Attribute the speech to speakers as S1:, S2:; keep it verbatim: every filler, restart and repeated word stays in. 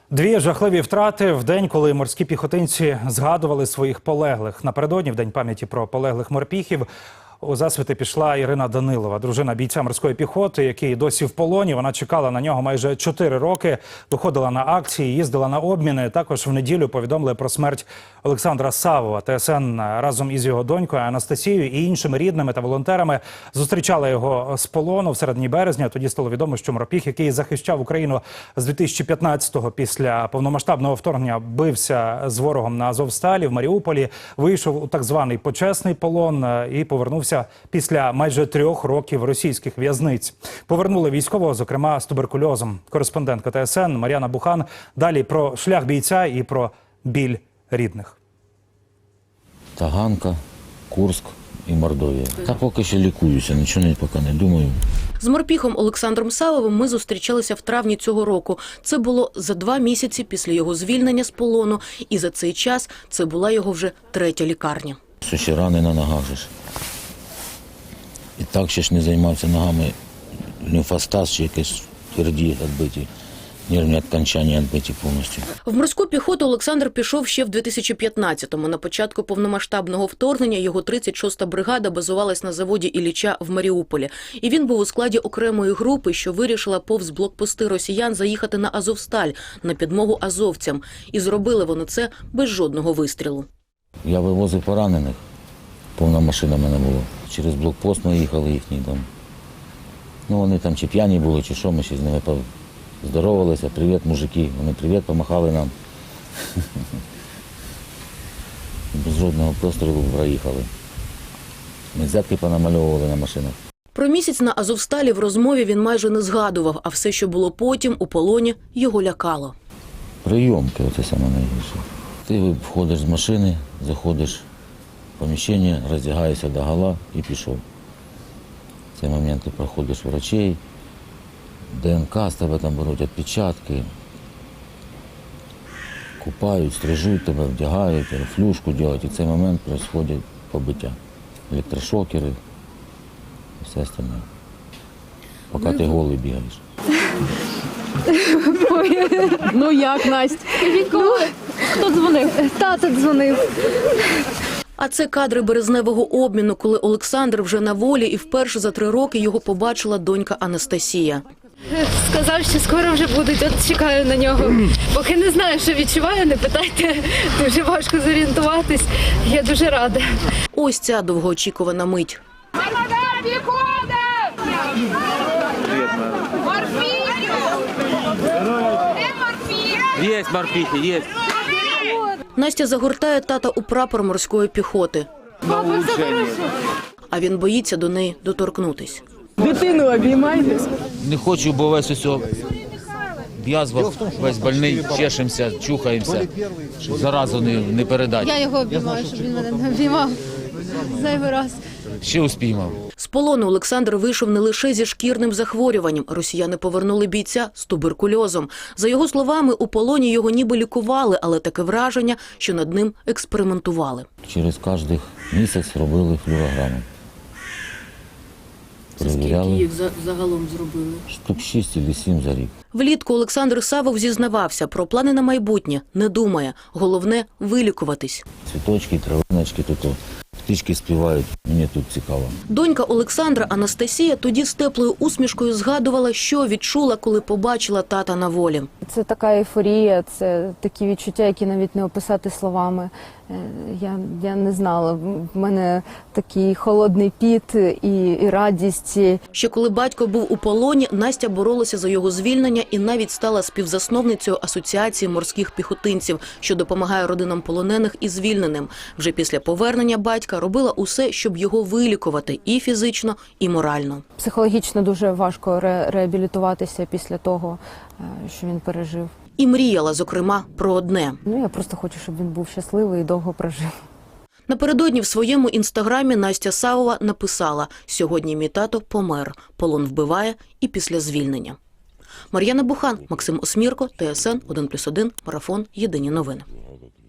S1: Дві жахливі втрати в день, коли морські піхотинці згадували своїх полеглих. Напередодні, в день пам'яті про полеглих морпіхів, у засвіти пішла Ірина Данилова, дружина бійця морської піхоти, який досі в полоні. Вона чекала на нього майже чотири роки, виходила на акції, їздила на обміни. Також в неділю повідомили про смерть Олександра Савова. ТСН разом із його донькою Анастасією і іншими рідними та волонтерами зустрічала його з полону в середині березня. Тоді стало відомо, що морпіх, який захищав Україну з дві тисячі п'ятнадцятого після повномасштабного вторгнення, бився з ворогом на Азовсталі в Маріуполі, вийшов у так званий почесний полон і повернувся після майже трьох років російських в'язниць. Повернули військового, зокрема, з туберкульозом. Кореспондентка ТСН Мар'яна Бухан. Далі про шлях бійця і про біль рідних.
S2: Таганка, Курск і Мордовія. Та поки що лікуюся, нічого не, поки не думаю.
S3: З морпіхом Олександром Савовим ми зустрічалися в травні цього року. Це було за два місяці після його звільнення з полону. І за цей час це була його вже третя лікарня.
S2: Що ще рани на ногах же ж. І так ще ж не займався ногами. Лімфостаз чи якісь тверді відбиті. Нервні відкончання відбиті повністю.
S3: В морську піхоту Олександр пішов ще в дві тисячі п'ятнадцятому. На початку повномасштабного вторгнення його тридцять шоста бригада базувалась на заводі Ілліча в Маріуполі. І він був у складі окремої групи, що вирішила повз блокпости росіян заїхати на Азовсталь, на підмогу азовцям. І зробили вони це без жодного вистрілу.
S2: Я вивозив поранених. Повна машина в мене була. Через блокпост ми їхали їхній дом. Ну вони там чи п'яні були, чи що, ми ще з ними здоровалися. Привіт, мужики. Вони привіт, помахали нам. Без жодного пострілу проїхали. Ми взятки понамальовували на машинах.
S3: Про місяць на Азовсталі в розмові він майже не згадував, а все, що було потім, у полоні, його лякало.
S2: Прийомки, оце саме найгірше. Ти входиш з машини, заходиш в поміщення, роздягаєшся догола і пішов. В цей момент ти проходиш врачей, ДНК з тебе там беруть, відпечатки, купають, стрижуть тебе, вдягають, флюшку роблять. І в цей момент відбувається побиття. Електрошокери і все остальне. Поки ти голий бігаєш.
S4: Ну як, Настя? Ну, хто дзвонив? Тато дзвонив.
S3: А це кадри березневого обміну, коли Олександр вже на волі і вперше за три роки його побачила донька Анастасія.
S4: Сказав, що скоро вже будуть, от чекаю на нього. Поки не знаю, що відчуваю, не питайте, дуже важко зорієнтуватись. Я дуже рада.
S3: Ось ця довгоочікувана мить.
S5: Є морпіхи, є.
S3: Настя загортає тата у прапор морської піхоти. А він боїться до неї доторкнутись.
S4: Дитину обіймайте.
S5: Не хочу, бо весь усе в язвах, весь больний, чешемося, чухаємося, щоб заразу не, не передати.
S4: Я його обіймаю, щоб він мене не обіймав зайвий раз.
S5: Ще успіймав.
S3: З полону Олександр вийшов не лише зі шкірним захворюванням. Росіяни повернули бійця з туберкульозом. За його словами, у полоні його ніби лікували, але таке враження, що над ним експериментували.
S2: Через кожен місяць робили флюорограму. Перевіряли.
S3: загалом зробили?
S2: Штук шість або сім за рік.
S3: Влітку Олександр Савов зізнавався, про плани на майбутнє не думає. Головне – вилікуватись.
S2: Цвіточки, травиночки, тут птички співають. Мені тут цікаво.
S3: Донька Олександра Анастасія тоді з теплою усмішкою згадувала, що відчула, коли побачила тата на волі.
S6: Це така ейфорія, це такі відчуття, які навіть не описати словами. Я, я не знала, в мене такий холодний піт і, і радість.
S3: Ще коли батько був у полоні, Настя боролася за його звільнення і навіть стала співзасновницею Асоціації морських піхотинців, що допомагає родинам полонених і звільненим. Вже після повернення батька робила усе, щоб його вилікувати і фізично, і морально.
S6: Психологічно дуже важко ре реабілітуватися після того, що він пережив.
S3: І мріяла, зокрема, про одне.
S6: Ну, я просто хочу, щоб він був щасливий і довго прожив.
S3: Напередодні в своєму інстаграмі Настя Савова написала: «Сьогодні мій тато помер. Полон вбиває і після звільнення». Мар'яна Бухан, Максим Осмірко, ТСН один плюс один, Марафон, Єдині новини.